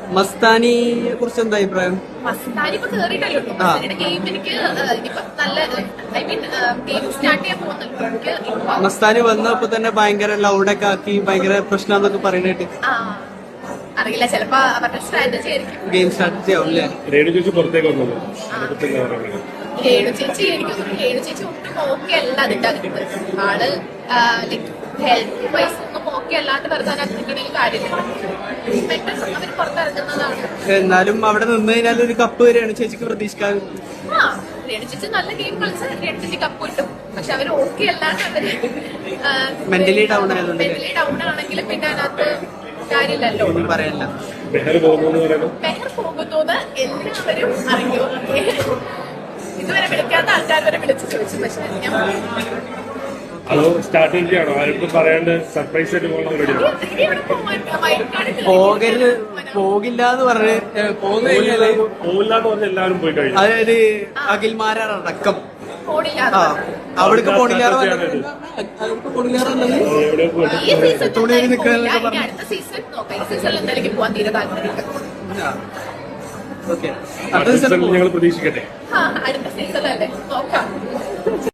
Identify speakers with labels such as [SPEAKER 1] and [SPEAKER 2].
[SPEAKER 1] മസ്താനിയെ കുറിച്ച് എന്താ അഭിപ്രായം?
[SPEAKER 2] മസ്താനി ഇപ്പൊ കേറിയിട്ടല്ലോ ഗെയിം. എനിക്ക് ഇനിയിപ്പോ നല്ല ഐ മീൻ ഗെയിം സ്റ്റാർട്ട് ചെയ്യാൻ പോകുന്നല്ലോ.
[SPEAKER 1] മസ്താനി വന്നപ്പോ തന്നെ ഭയങ്കര ലൗഡൊക്കെ ആക്കി ഭയങ്കര പ്രശ്നമാന്നൊക്കെ പറയുന്നിട്ട്.
[SPEAKER 2] അറിയില്ല, ചിലപ്പോ അവരുടെ സ്ട്രാറ്റജി ആയിരിക്കും.
[SPEAKER 1] ഗെയിം സ്ട്രാറ്റജി ആവും അല്ലേ?
[SPEAKER 3] രേണു ചേച്ചി പുറത്തേക്ക് വന്നത്
[SPEAKER 2] രേണു ചേച്ചി എനിക്കൊന്നും രേണു ചേച്ചി ഒട്ടും ഓക്കെ അല്ല അതിന്റെ അകത്ത്. ആള് ലൈക് ഹെൽത്ത് വൈസ് ഒന്നും ഓക്കെ അല്ലാണ്ട് വെറുതെ അതിനകത്ത് കാര്യമില്ല. അവർ പുറത്തിറങ്ങുന്നതാണ്.
[SPEAKER 1] എന്നാലും അവിടെ നിന്ന് കഴിഞ്ഞാൽ ഒരു കപ്പ് രേണു ചേച്ചിക്ക് പ്രതീക്ഷിക്കാൻ.
[SPEAKER 2] രേണു ചേച്ചി നല്ല ഗെയിം കളിച്ച് രേണു ചേച്ചി കപ്പ് കിട്ടും. പക്ഷെ അവര് ഓക്കെ അല്ലാണ്ട് അവര്
[SPEAKER 1] മെന്റലി ഡൗൺ
[SPEAKER 2] ആണെങ്കിലും പിന്നെ അതിനകത്ത് കാര്യമില്ലല്ലോ.
[SPEAKER 1] പറയല്ല.
[SPEAKER 3] മെഹർ പോകുന്നു
[SPEAKER 2] എല്ലാവരും അറിയോ? ഇതുവരെ വിളിക്കാത്ത ആൾക്കാർ വരെ വിളിച്ച് ചോദിച്ചു. പക്ഷെ ഞാൻ
[SPEAKER 3] അതോ സ്റ്റാർട്ടിംഗ് ആണോ? ആർക്കും പറയാണ്ട് സർപ്രൈസ് ആയിട്ട് പോകണം റെഡി
[SPEAKER 1] പോകില്ല എന്ന് പറഞ്ഞ്
[SPEAKER 3] പോകില്ലാന്ന് പറഞ്ഞ എല്ലാവരും പോയി കഴിഞ്ഞു.
[SPEAKER 1] അതായത് അഖിൽമാരടക്കം
[SPEAKER 2] ഫോണില്ലാതെ
[SPEAKER 1] അവിടേക്ക് പോണില്ലാതെ
[SPEAKER 2] തുണിയിൽ നിൽക്കാനൊക്കെ പറഞ്ഞു. അടുത്ത സീസൺ നോക്കാം. ഈ സീസണിൽ എന്തായാലും പോവാൻ തീരെ താല്പര്യമില്ല.
[SPEAKER 3] ഞങ്ങൾ പ്രതീക്ഷിക്കട്ടെ.
[SPEAKER 2] അടുത്ത സീസണല്ലേ നോക്കാം.